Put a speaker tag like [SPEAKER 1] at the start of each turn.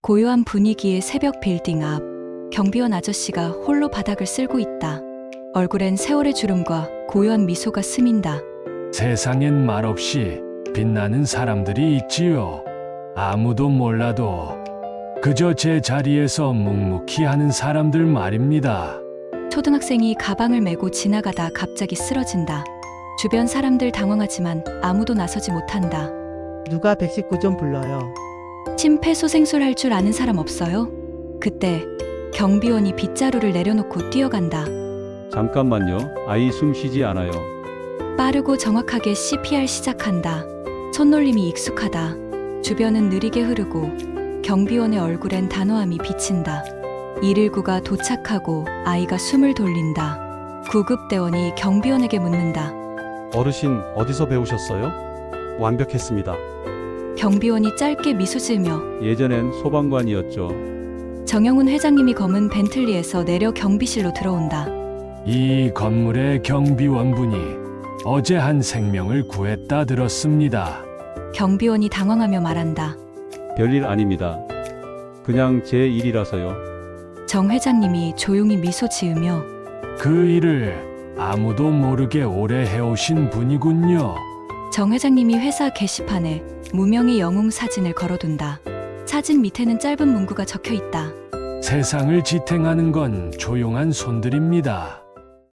[SPEAKER 1] 고요한 분위기의 새벽 빌딩 앞, 경비원 아저씨가 홀로 바닥을 쓸고 있다. 얼굴엔 세월의 주름과 고요한 미소가 스민다.
[SPEAKER 2] 세상엔 말없이 빛나는 사람들이 있지요. 아무도 몰라도 그저 제 자리에서 묵묵히 하는 사람들 말입니다.
[SPEAKER 1] 초등학생이 가방을 메고 지나가다 갑자기 쓰러진다. 주변 사람들 당황하지만 아무도 나서지 못한다.
[SPEAKER 3] 누가 119 좀 불러요.
[SPEAKER 1] 심폐소생술 할 줄 아는 사람 없어요? 그때 경비원이 빗자루를 내려놓고 뛰어간다.
[SPEAKER 4] 잠깐만요. 아이 숨 쉬지 않아요.
[SPEAKER 1] 빠르고 정확하게 CPR 시작한다. 손놀림이 익숙하다. 주변은 느리게 흐르고 경비원의 얼굴엔 단호함이 비친다. 119가 도착하고 아이가 숨을 돌린다. 구급대원이 경비원에게 묻는다.
[SPEAKER 5] 어르신 어디서 배우셨어요? 완벽했습니다.
[SPEAKER 1] 경비원이 짧게 미소 지으며
[SPEAKER 4] 예전엔 소방관이었죠.
[SPEAKER 1] 정영훈 회장님이 검은 벤틀리에서 내려 경비실로 들어온다.
[SPEAKER 2] 이 건물의 경비원분이 어제 한 생명을 구했다 들었습니다.
[SPEAKER 1] 경비원이 당황하며 말한다.
[SPEAKER 4] 별일 아닙니다. 그냥 제 일이라서요.
[SPEAKER 1] 정 회장님이 조용히 미소 지으며
[SPEAKER 2] 그 일을 아무도 모르게 오래 해오신 분이군요.
[SPEAKER 1] 정 회장님이 회사 게시판에 무명의 영웅 사진을 걸어둔다. 사진 밑에는 짧은 문구가 적혀 있다.
[SPEAKER 2] 세상을 지탱하는 건 조용한 손들입니다.